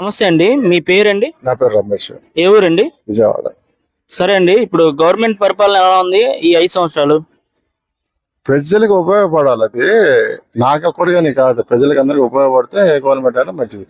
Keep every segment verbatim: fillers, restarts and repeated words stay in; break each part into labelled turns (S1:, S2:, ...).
S1: నమస్తే అండి, మీ పేరండి?
S2: నా పేరు రమేష్.
S1: ఏ ఊరండి?
S2: విజయవాడ.
S1: సరే అండి, ఇప్పుడు గవర్నమెంట్ పరిపాలన ఎలా ఉంది ఈ ఐదు సంవత్సరాలు?
S2: ప్రజలకు ఉపయోగపడాలి. అది నాకు ఒక్కడిగాని కాదు, ప్రజలకు అందరికి ఉపయోగపడితే గవర్నమెంట్ అయినా మంచిది.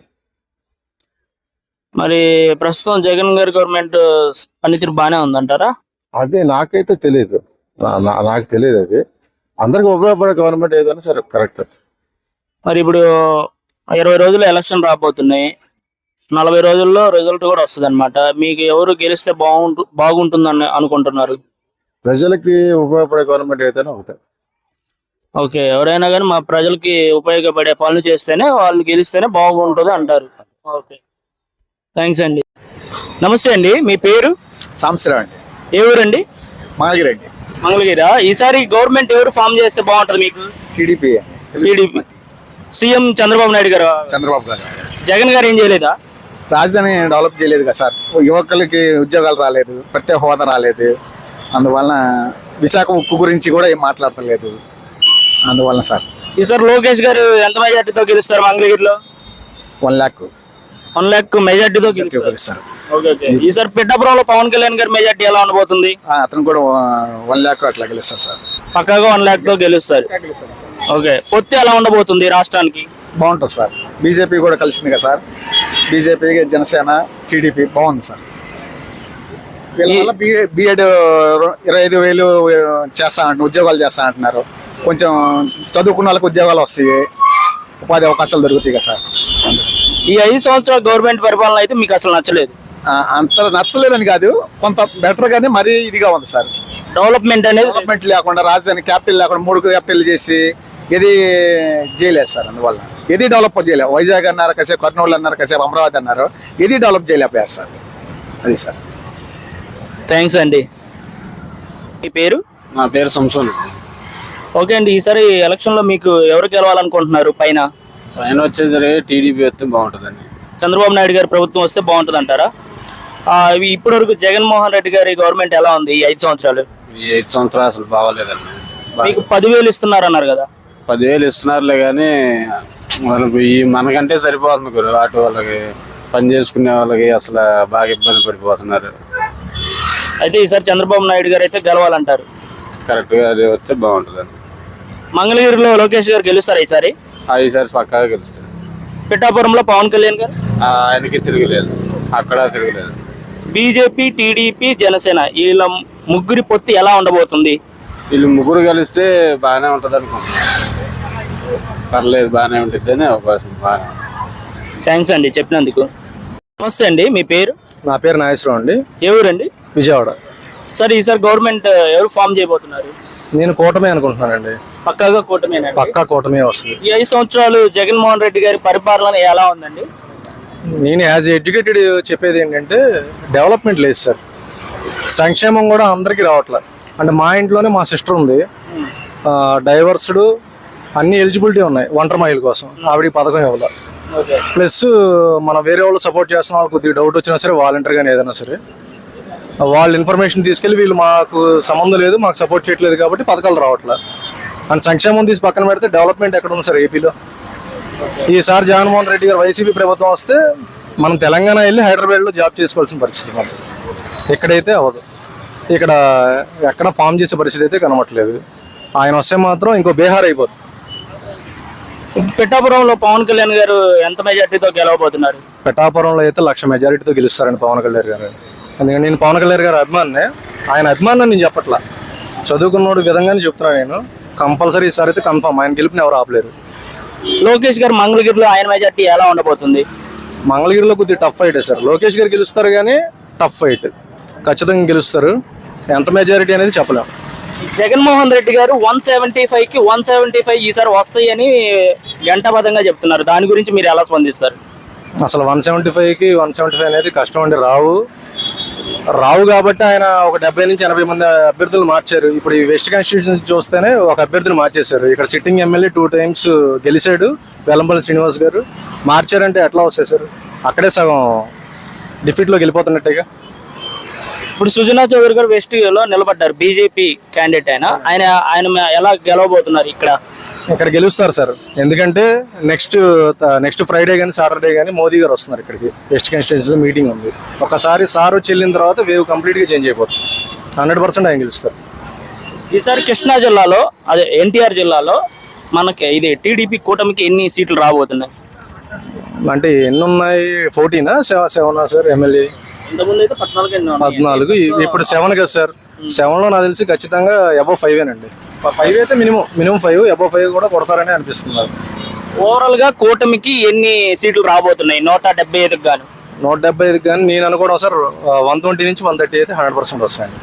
S1: మరి ప్రస్తుతం జగన్ గారి గవర్నమెంట్ పనితీరు బాగానే ఉందంటారా?
S2: అదే నాకైతే తెలియదు, నాకు తెలియదు. అది అందరికి ఉపయోగపడే గవర్నమెంట్ ఏదైనా సరే కరెక్ట్.
S1: మరి ఇప్పుడు ఇరవై రోజులు ఎలక్షన్ రాబోతున్నాయి, నలభై రోజుల్లో రిజల్ట్ కూడా వస్తుంది అనమాట. మీకు ఎవరు గెలిస్తే బాగుంటు బాగుంటుందని అనుకుంటున్నారు?
S2: ప్రజలకి ఉపయోగపడే గవర్నమెంట్ ఏదైనా ఒకటే.
S1: ఓకే, ఎవరైనా కానీ మా ప్రజలకి ఉపయోగపడే పనులు చేస్తేనే వాళ్ళు గెలిస్తేనే బాగుంటుంది అంటారు. ఓకే, థ్యాంక్స్ అండి. నమస్తే అండి, మీ పేరు?
S3: సాంబశివరావు అండి.
S1: ఏ ఊరండి?
S3: మంగళగిరి అండి.
S1: మంగళగిరా. ఈసారి గవర్నమెంట్ ఎవరు ఫామ్ చేస్తే బాగుంటుంది మీకు?
S3: TDP.
S1: TDP. CM Chandrababu Naidu garu.
S3: Chandrababu గారు.
S1: జగన్ గారు ఏం చేయలేదా?
S3: రాజధాని డెవలప్ చేయలేదు కదా సార్, యువకులకి ఉద్యోగాలు రాలేదు, ప్రత్యేక హోదా రాలేదు, అందువలన విశాఖ ఉక్కు గురించి కూడా ఏం మాట్లాడతలేదు, అందువలన సార్.
S1: ఈసారి లోకేష్ గారు ఎంత మెజార్టీతో గెలుస్తారు మంగళగిరిలో?
S3: వన్ ల్యాక్
S1: వన్ ల్యాక్ మెజార్టీతో గెలుస్తారు. ఈసారి పిఠాపురంలో పవన్ కళ్యాణ్ గారి మెజార్టీ ఎలా ఉండబోతుంది?
S3: అతను కూడా వన్ ల్యాక్ అట్లా గెలుస్తారు సార్.
S1: పక్కాగా వన్ ల్యాక్ తో గెలుస్తారు. ఓకే, పొత్తి ఎలా ఉండబోతుంది రాష్ట్రానికి?
S3: బాగుంటుంది సార్. బీజేపీ కూడా కలిసింది కదా సార్, బీజేపీ, జనసేన, టీడీపీ బాగుంది సార్. వీళ్ళ బీఎడ్ ఇరవై ఐదు వేలు చేస్తా అంటున్నారు, ఉద్యోగాలు చేస్తా అంటున్నారు. కొంచెం చదువుకున్న వాళ్ళకి ఉద్యోగాలు వస్తాయి, ఉపాధి అవకాశాలు దొరుకుతాయి కదా సార్.
S1: ఈ ఐదు సంవత్సరాల గవర్నమెంట్ పరిపాలన అయితే మీకు అసలు నచ్చలేదు?
S3: అంత నచ్చలేదని కాదు, కొంత బెటర్ గానే మరీ ఇదిగా ఉంది సార్.
S1: డెవలప్మెంట్ అనేది
S3: డెవలప్మెంట్ లేకుండా, రాజధాని క్యాపిటల్ లేకుండా మూడు క్యాపిటల్ చేసి ఏది చేయలేదు సార్. అందువల్ల ఏది డెవలప్ చేయలేదు. వైజాగ్ అన్నారు కాసేపు, కర్నూలు అన్నారు కాసేపు, అమరావతి అన్నారు, ఏది డెవలప్ చేయలేకపోయారు సార్. అది సార్.
S1: థ్యాంక్స్ అండి. మీ పేరు?
S4: నా పేరు సంసోన్.
S1: ఓకే అండి, ఈసారి ఎలక్షన్ లో మీకు ఎవరు గెలవాలనుకుంటున్నారు? పైన
S4: పైన వచ్చేసరి టీడీపీ వస్తే బాగుంటుందండి.
S1: చంద్రబాబు నాయుడు గారి ప్రభుత్వం వస్తే బాగుంటుంది అంటారా? ఇప్పటి వరకు జగన్మోహన్ రెడ్డి గారి గవర్నమెంట్ ఎలా ఉంది ఈ ఐదు సంవత్సరాలు?
S4: ఈ ఐదు సంవత్సరాలు అసలు బాగాలేదండి.
S1: మీకు పదివేలు ఇస్తున్నారు అన్నారు కదా?
S4: పదివేలు ఇస్తున్నారులే కానీ వాళ్ళకి ఈ మనకంటే సరిపోతుంది గురు. ఆటో వాళ్ళకి, పని చేసుకునే వాళ్ళకి అసలు బాగా ఇబ్బంది పడిపోతున్నారు.
S1: అయితే ఈసారి చంద్రబాబు నాయుడు గారు అయితే గెలవాలంటారు?
S4: కరెక్ట్గా అది వస్తే బాగుంటుందండి.
S1: మంగళగిరిలో లోకేష్ గారు గెలుస్తారా ఈసారి?
S4: ఈసారి పక్కాగా గెలుస్తారు.
S1: పిఠాపురంలో పవన్ కళ్యాణ్ గారు?
S4: ఆయనకి తిరగలేదు, అక్కడ తిరగలేదు.
S1: బీజేపీ, టీడీపీ, జనసేన వీళ్ళ ముగ్గురి పొత్తి ఎలా ఉండబోతుంది?
S4: వీళ్ళు ముగ్గురు కలిస్తే బాగానే ఉంటుంది అనుకుంటున్నాను. పర్లేదు, బాగానే ఉంటుంది అని అవకాశం. బాగా
S1: థ్యాంక్స్ అండి చెప్పినందుకు. నమస్తే అండి, మీ పేరు?
S3: నా పేరు నాగేశ్వరరావు అండి.
S1: ఏ ఊరండి?
S3: విజయవాడ.
S1: సార్, ఈసారి గవర్నమెంట్ ఎవరు ఫామ్ చేయబోతున్నారు?
S3: నేను కూటమి అనుకుంటున్నానండి.
S1: పక్కాగా కూటమేనా?
S3: పక్కా కూటమి వస్తుంది.
S1: ఈ ఐదు సంవత్సరాలు జగన్మోహన్ రెడ్డి గారి పరిపాలన ఎలా ఉందండి?
S3: నేను యాజ్ ఎడ్యుకేటెడ్ చెప్పేది ఏంటంటే, డెవలప్మెంట్ లేదు సార్. సంక్షేమం కూడా అందరికీ రావట్లేదు. అంటే మా ఇంట్లోనే మా సిస్టర్ ఉంది, డైవర్స్డ్, అన్ని ఎలిజిబిలిటీ ఉన్నాయి ఒంటరి మహిళ కోసం, ఆవిడ పథకం ఇవ్వాలి. ప్లస్ మన వేరే వాళ్ళు సపోర్ట్ చేస్తున్న వాళ్ళు కొద్దిగా డౌట్ వచ్చినా సరే, వాలంటీర్ కానీ ఏదైనా సరే వాళ్ళు ఇన్ఫర్మేషన్ తీసుకెళ్ళి వీళ్ళు మాకు సంబంధం లేదు, మాకు సపోర్ట్ చేయట్లేదు కాబట్టి పథకాలు రావట్లేదు. అండ్ సంక్షేమం తీసి పక్కన పెడితే డెవలప్మెంట్ ఎక్కడ ఉంది సార్ ఏపీలో? ఈసారి జగన్మోహన్ రెడ్డి గారు వైసీపీ ప్రభుత్వం వస్తే మనం తెలంగాణ వెళ్ళి హైదరాబాద్లో జాబ్ చేసుకోవాల్సిన పరిస్థితి మనకి. ఇక్కడైతే అవ్వదు, ఇక్కడ ఎక్కడ ఫామ్ చేసే పరిస్థితి అయితే కనబడట్లేదు. ఆయన వస్తే మాత్రం ఇంకో బీహార్ అయిపోతుంది.
S1: పిఠాపురంలో పవన్ కళ్యాణ్ గారు ఎంత మెజార్టీతో గెలవబోతున్నారు?
S3: పిఠాపురంలో అయితే లక్ష మెజారిటీతో గెలుస్తారండి పవన్ కళ్యాణ్ గారు. ఎందుకంటే నేను పవన్ కళ్యాణ్ గారు అభిమానినే. ఆయన అభిమానం నేను చెప్పట్లా, చదువుకున్నోడు విధంగానే చెప్తున్నాను. నేను కంపల్సరీ ఈసారి అయితే కన్ఫర్మ్ ఆయన గెలుపుని ఎవరు ఆపలేరు.
S1: లోకేష్ గారు మంగళగిరిలో ఆయన మెజార్టీ ఎలా ఉండబోతుంది?
S3: మంగళగిరిలో కొద్దిగా టఫ్ ఫైట్ సార్. లోకేష్ గారు గెలుస్తారు కానీ టఫ్ ఫైట్, ఖచ్చితంగా గెలుస్తారు. ఎంత మెజారిటీ అనేది చెప్పలేము.
S1: Jaganmohan Reddy garu one seventy five కి వన్ సెవెంటీ ఫైవ్ ఈసారి వస్తాయి అని గంటబద్ధంగా చెప్తున్నారు. దాని గురించి మీరు ఎలా స్పందిస్తారు?
S3: అసలు వన్ సెవెంటీ ఫైవ్ కి వన్ సెవెంటీ ఫైవ్ అనేది కష్టం అండి. రావు రావు కాబట్టి ఆయన ఒక డెబ్బై నుంచి ఎనభై మంది అభ్యర్థులు మార్చారు. ఇప్పుడు ఈ వెస్ట్ కాన్స్టిట్యూషన్ చూస్తేనే ఒక అభ్యర్థిని మార్చేశారు. ఇక్కడ సిట్టింగ్ ఎమ్మెల్యే టూ టైమ్స్ గెలిచాడు, వెల్లంపల్లి శ్రీనివాస్ గారు. మార్చారంటే ఎట్లా వస్తాయి సార్? అక్కడే సగం డిఫీట్లో వెళ్ళిపోతున్నట్టేగా.
S1: ఇప్పుడు సుజనా చౌదరి గారు వెస్ట్ లో నిలబడ్డారు, బీజేపీ క్యాండిడేట్ ఆయన ఆయన ఆయన ఎలా గెలవబోతున్నారు ఇక్కడ?
S3: ఇక్కడ గెలుస్తారు సార్, ఎందుకంటే నెక్స్ట్ నెక్స్ట్ ఫ్రైడే కానీ సాటర్డే కానీ మోదీ గారు వస్తున్నారు ఇక్కడికి. వెస్ట్ కాన్స్టిట్యూన్సీలో మీటింగ్ ఉంది. ఒకసారి సార్ వచ్చి వెళ్ళిన తర్వాత వేవ్ కంప్లీట్ గా చేంజ్ అయిపోతుంది. హండ్రెడ్ పర్సెంట్ ఆయన గెలుస్తారు.
S1: ఈసారి కృష్ణా జిల్లాలో అదే ఎన్టీఆర్ జిల్లాలో మనకి ఇది టీడీపీ కూటమికి ఎన్ని సీట్లు రాబోతున్నాయి?
S3: అంటే ఎన్ని ఉన్నాయి? ఫోర్టీనా సెవెనా సార్? ఎమ్మెల్యే
S1: ఇంతకుముందు అయితే పద్నాలుగు ఎన్నో ఉన్నాయి.
S3: పద్నాలుగు, ఇప్పుడు సెవెన్ కదా సార్. సెవెన్ లో నాకు తెలిసి ఖచ్చితంగా అబౌవ్ ఫైవ్ ఏనండి. ఫైవ్ అయితే minimum minimum five, above five కూడా కొడతారని అనిపిస్తుంది నాకు.
S1: ఓవరాల్ గా కూటమికి ఎన్ని సీట్లు రాబోతున్నాయి? నూట డెబ్బై ఐదుకి గాను
S3: నూట డెబ్బై ఐదు కానీ నేను అనుకోవడం సార్ వన్ ట్వంటీ నుంచి వన్ థర్టీ అయితే హండ్రెడ్ పర్సెంట్ వస్తాయండి.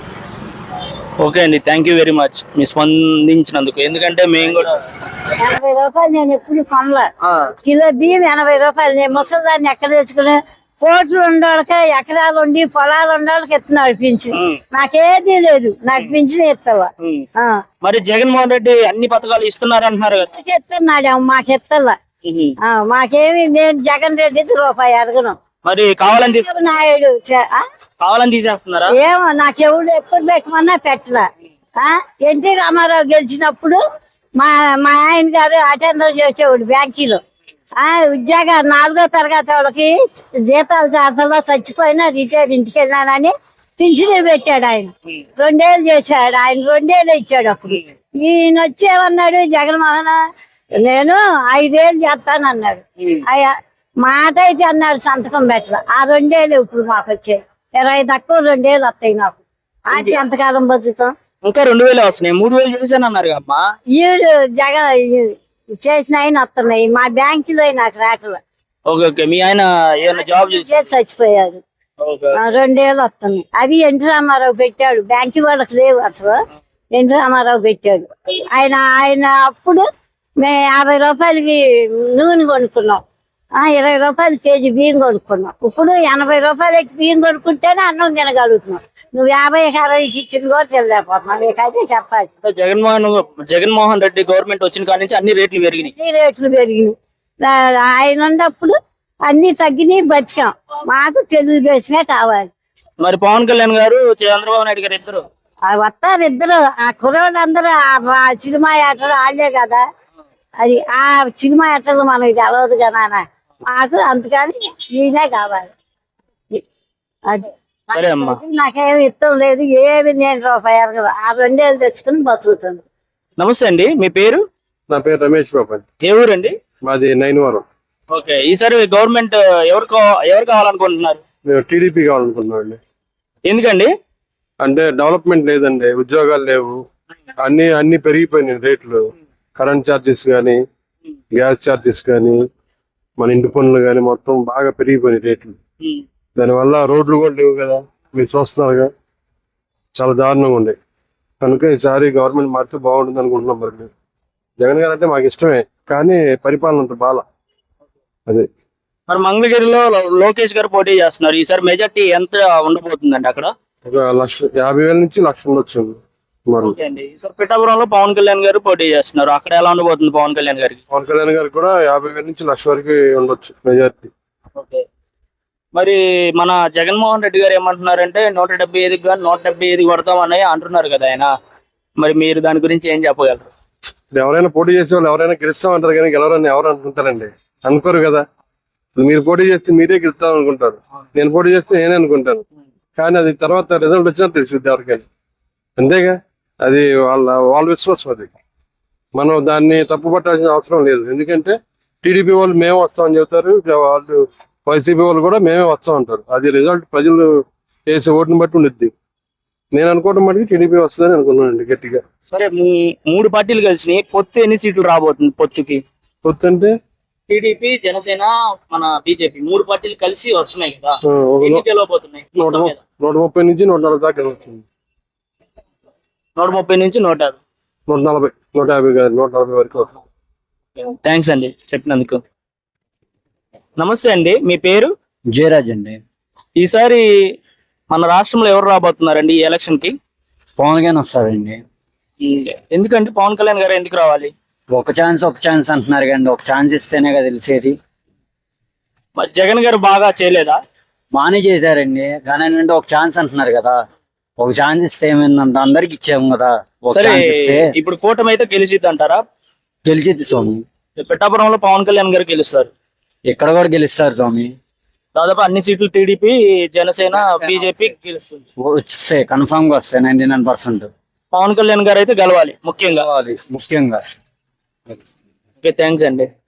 S1: ఓకే అండి, థ్యాంక్ యూ వెరీ మచ్ మీ స్పందించినందుకు. ఎందుకంటే మేము కూడా
S5: ఎనభై రూపాయలు నేను ఎప్పుడు కొనలే. కిలో బియ్యం ఎనభై రూపాయలు. నేను ముసలిదాన్ని ఎక్కడ తెచ్చుకుని కోట్లు ఉండోళ్ళకి ఎకరాలు ఉండి పొలాలు ఉండోళ్ళకి ఎత్తున్నాడు పింఛన్. నాకేదీ లేదు, నాకు పింఛన్ ఎత్తావా?
S1: మరి జగన్మోహన్ రెడ్డి అన్ని పథకాలు ఇస్తున్నారు అంటున్నారు కదా?
S5: ఎత్తున్నాడు, మాకు ఎత్తల్లా. మాకేమి, నేను జగన్ రెడ్డి రూపాయి అడగను.
S1: మరి కావాలని తీసు-
S5: నాయుడు చ- ఆ?
S1: కావాలని తీసేస్తున్నారా?
S5: ఏమో నాకెవడు ఎప్పుడు పెట్టమన్నా పెట్టలా. ఆ? ఎన్టీ రామారావు గెలిచినప్పుడు మా మా ఆయన గారు అటెండర్ చేసేవాడు బ్యాంకీలో. ఆ ఉద్యోగ నాలుగో తరగతి వాళ్ళకి జీతాలు చేతల్లో చచ్చిపోయినా రిటైర్ ఇంటికి వెళ్ళానని పింఛన్ పెట్టాడు ఆయన. రెండేళ్ళు చేశాడు ఆయన, రెండేళ్ళు ఇచ్చాడు. అప్పుడు ఈయన వచ్చేమన్నాడు జగన్మోహన్, నేను ఐదేళ్ళు చేస్తానన్నాడు. అయ్యా మాట అయితే అన్నాడు, సంతకం పెట్టరా. ఆ రెండేళ్ళు ఇప్పుడు మాకు వచ్చాయి. ఇరవై తక్కువ రెండేళ్ళు వస్తాయి నాకు. అంటే ఎంతకాలం బతుకుతాం?
S1: ఇంకా రెండు వేలు వస్తున్నాయి, మూడు వేలు చేశాను అన్నారు అమ్మా.
S5: ఈడు జగన్ చేసిన ఆయన వస్తున్నాయి, మా బ్యాంకులో నాకు రాకలు.
S1: ఓకే ఓకే, మీ ఆయన ఏమైనా జాబ్ చేసి
S5: చేసి చచ్చిపోయాడు. ఆ, రెండేళ్ళు వస్తున్నాయి. అది ఎన్టీ రామారావు పెట్టాడు, బ్యాంకు వాళ్ళకి లేవు అసలు. ఎన్టీ రామారావు పెట్టాడు. ఆయన ఆయన అప్పుడు మేము యాభై రూపాయలకి నూనె కొనుక్కున్నాం, ఆ ఇరవై రూపాయలు కేజీ బియ్యం కొనుక్కున్నాం. ఇప్పుడు ఎనభై రూపాయలు బియ్యం కొనుక్కుంటేనే అన్నం తినగలుగుతున్నాం. నువ్వు యాభై అరవైకి ఇచ్చింది కూడా తినలేకపోతున్నావు. నీకైతే చెప్పాలి.
S1: జగన్మోహన్ జగన్మోహన్ రెడ్డి గవర్నమెంట్ వచ్చిన కాడి నుంచి అన్ని రేట్లు పెరిగినాయి.
S5: అన్ని రేట్లు పెరిగినాయి. ఆ, ఆయన ఉన్నప్పుడు అన్ని తగ్గినాయి, బతికాం. మాకు తెలుగుదేశమే కావాలి.
S1: మరి పవన్ కళ్యాణ్ గారు చంద్రబాబు నాయుడు గారు ఇద్దరు
S5: ఆ వస్తారు ఇద్దరు. ఆ కుర్రోళ్ళందరూ ఆ సినిమా యాత్రలు ఆడలే కదా. అది ఆ సినిమా యాత్రలు మనకి తెలవదు కదా. మాకు అందుకని ఈయనే కావాలి. అది
S1: సరే అమ్మా.
S5: నాకేమి ఇష్టం లేదు, ఏమి నేను రూపాయి అడగదు. ఆ రెండేళ్ళు తెచ్చుకుని బతుకుతుంది.
S1: నమస్తే అండి, మీ పేరు?
S4: నా పేరు రమేష్ బాబు అండి.
S1: ఏ ఊరండి?
S4: మాది నైన్వరం.
S1: ఓకే, ఈసారి గవర్నమెంట్ ఎవరు ఎవరు కావాలనుకుంటున్నారు?
S4: మేము టీడీపీ కావాలనుకున్నాం అండి.
S1: ఎందుకండి?
S4: అంటే డెవలప్మెంట్ లేదండి, ఉద్యోగాలు లేవు, అన్ని అన్ని పెరిగిపోయినాయి రేట్లు. కరెంట్ ఛార్జెస్ కానీ, గ్యాస్ ఛార్జెస్ కానీ, మన ఇంటి పనులు కానీ మొత్తం బాగా పెరిగిపోయినాయి రేట్లు. దానివల్ల రోడ్లు కూడా లేవు కదా, మీరు చూస్తున్నారుగా, చాలా దారుణంగా ఉన్నాయి. కనుక ఈసారి గవర్నమెంట్ మారితే బాగుంటుంది అనుకుంటున్నాం. మరి మేము జగన్ గారు అంటే మాకు ఇష్టమే, కానీ పరిపాలన అంత బాల. అదే
S1: మరి మంగళగిరిలో లోకేష్ గారు పోటీ చేస్తున్నారు. ఈసారి మెజార్టీ ఎంత ఉండబోతుందండి అక్కడ?
S4: ఒక లక్ష యాభై వేల నుంచి లక్ష ఉండొచ్చు మరి.
S1: ఓకే అండి, ఈసారి పిఠాపురంలో పవన్ కళ్యాణ్ గారు పోటీ చేస్తున్నారు. అక్కడ ఎలా ఉండబోతుంది పవన్ కళ్యాణ్ గారికి?
S4: పవన్ కళ్యాణ్ గారికి కూడా యాభై వేల నుంచి లక్ష వరకు ఉండొచ్చు మెజార్టీ.
S1: ఓకే, మరి మన జగన్మోహన్ రెడ్డి గారు ఏమంటున్నారంటే నూట డెబ్బై ఐదుకి కానీ నూట డెబ్బై ఐదు కొడతామని అంటున్నారు కదా ఆయన. మరి మీరు దాని గురించి ఏం చెప్పగలరు?
S4: ఎవరైనా పోటీ చేసే వాళ్ళు ఎవరైనా గెలుస్తామంటారు కానీ గెలవరని ఎవరు అనుకుంటారండి? అనుకోరు కదా. మీరు పోటీ చేస్తే మీరే గెలుస్తాం అనుకుంటారు, నేను పోటీ చేస్తే నేనే అనుకుంటాను. కానీ అది తర్వాత రిజల్ట్ వచ్చినా తెలిసింది ఎవరికైనా. అంతేగా, అది వాళ్ళ వాళ్ళ విశ్వాసం. అది మనం దాన్ని తప్పు పట్టాల్సిన అవసరం లేదు. ఎందుకంటే టీడీపీ వాళ్ళు మేము వస్తామని చెబుతారు, వాళ్ళు వైసీపీ వాళ్ళు కూడా మేమే వస్తాం అంటారు. అది రిజల్ట్ ప్రజలు వేసే ఓటుని బట్టి ఉండిద్ది. నేను అనుకోవడం మటుకు టీడీపీ వస్తుందని అనుకున్నానండి గట్టిగా.
S1: సరే, మీ మూడు పార్టీలు కలిసి పొత్తు ఎన్ని సీట్లు రాబోతుంది? పొత్తుకి
S4: పొత్తు అంటే
S1: టీడీపీ, జనసేన, మన బీజేపీ మూడు పార్టీలు కలిసి వస్తున్నాయి కదా,
S4: ఆ, ఒక
S1: ఎన్ని గెలవబోతున్నాయి?
S4: నూట ము- నూట ముప్పై నుంచి నూట నలభై దాకా వస్తుంది.
S1: నూట ముప్పై నుంచి నూట యాభై
S4: నూట నలభై నూట యాభై కాదు, నూట నలభై వరకు వస్తుంది.
S1: థ్యాంక్స్ అండి చెప్పినందుకు. నమస్తే అండి, మీ పేరు?
S6: జయరాజ్ అండి.
S1: ఈసారి మన రాష్ట్రంలో ఎవరు రాబోతున్నారండి ఈ ఎలక్షన్ కి?
S6: పవన్ కళ్యాణ్ వస్తారండి.
S1: ఎందుకంటే పవన్ కళ్యాణ్ గారు ఎందుకు రావాలి?
S6: ఒక ఛాన్స్ ఒక ఛాన్స్ అంటున్నారు కానీ ఒక ఛాన్స్ ఇస్తేనే కదా తెలిసేది.
S1: మరి జగన్ గారు బాగా చేయలేదా?
S6: బాగానే చేశారండి కానీ ఏంటంటే ఒక ఛాన్స్ అంటున్నారు కదా, ఒక ఛాన్స్ ఇస్తే ఏమైందంట, అందరికి ఇచ్చాము కదా, ఒక
S1: సరే
S6: ఛాన్స్ ఇస్తే
S1: ఇప్పుడు కూటమి అయితే గెలిచిద్ది అంటారా?
S6: గెలిచిద్ది స్వామి.
S1: పిఠాపురంలో పవన్ కళ్యాణ్ గారు గెలుస్తారు.
S6: ఇక్కడ కూడా గెలుస్తారు స్వామి.
S1: దాదాపు అన్ని సీట్లు టీడీపీ, జనసేన, బీజేపీ గెలుస్తుంది.
S6: వస్తే కన్ఫామ్ గా వస్తాయి ninety nine percent.
S1: Pawan Kalyan garu అయితే గెలవాలి ముఖ్యంగా.
S6: ముఖ్యంగా
S1: ఓకే, థ్యాంక్స్ అండి.